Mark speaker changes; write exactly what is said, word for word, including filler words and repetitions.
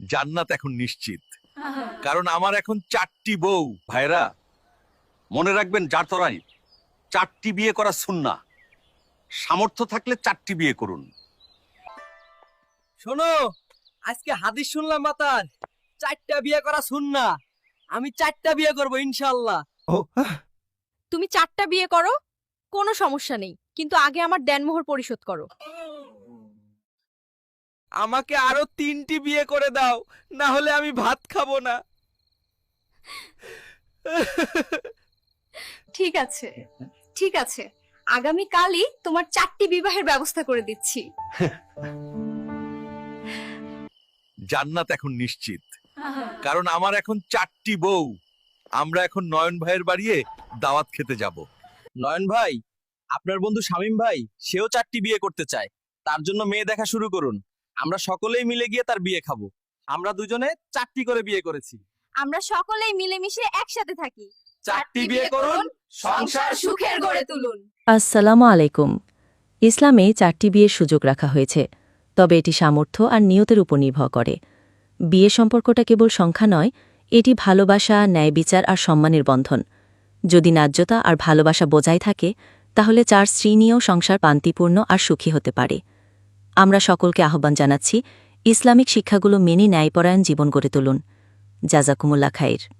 Speaker 1: জান্নাত এখন নিশ্চিত, কারণ আমার এখন চারটি বউ। ভাইরা, মনে রাখবেন জাতরাই চারটি বিয়ে করা সুন্নাহ। সামর্থ্য থাকলে চারটি বিয়ে করুন।
Speaker 2: শোনো, আজকে হাদিস শুনলাম মাতার চারটা বিয়ে করা সুন্নাহ। আমি চারটা বিয়ে করব ইনশাআল্লাহ।
Speaker 3: তুমি চারটা বিয়ে করো, কোনো সমস্যা নেই, কিন্তু আগে আমার দেনমোহর পরিশোধ করো।
Speaker 2: আমাকে আরো তিনটি বিয়ে করে দাও, না হলে আমি ভাত খাবো না।
Speaker 4: ঠিক আছে, ঠিক আছে, আগামী কালই তোমার চারটি বিবাহের ব্যবস্থা করে দিচ্ছি।
Speaker 1: জান্নাত এখন নিশ্চিত, কারণ আমার এখন চারটি বউ। আমরা এখন নয়ন ভাইয়ের বাড়িয়ে দাওয়াত খেতে যাব।
Speaker 2: নয়ন ভাই, আপনার বন্ধু শামীম ভাই সেও চারটি বিয়ে করতে চায়। তার জন্য মেয়ে দেখা শুরু করুন। আমরা সকলেই মিলে গিয়ে তার বিয়ে খাবো। আমরা দুজনে চারটি করে বিয়ে করেছি।
Speaker 4: আমরা সকলেই মিলেমিশে একসাথে থাকি।
Speaker 2: চারটি বিয়ে করুন, সংসার
Speaker 4: সুখের গড়ে তুলুন।
Speaker 5: আসসালামু আলাইকুম। ইসলামে চারটি বিয়ের সুযোগ রাখা হয়েছে, তবে এটি সামর্থ্য আর নিয়তের উপর নির্ভর করে। বিয়ে সম্পর্কটা কেবল সংখ্যা নয়, এটি ভালোবাসা, ন্যায় বিচার আর সম্মানের বন্ধন। যদি ন্যায্যতা আর ভালোবাসা বজায় থাকে, তাহলে চার স্ত্রী নিয়েও সংসার শান্তিপূর্ণ আর সুখী হতে পারে। আমরা সকলকে আহ্বান জানাচ্ছি, ইসলামিক শিক্ষাগুলো মেনে ন্যায়পরায়ণ জীবন গড়ে তুলুন। জাযাকুমুল্লাহ খাইর।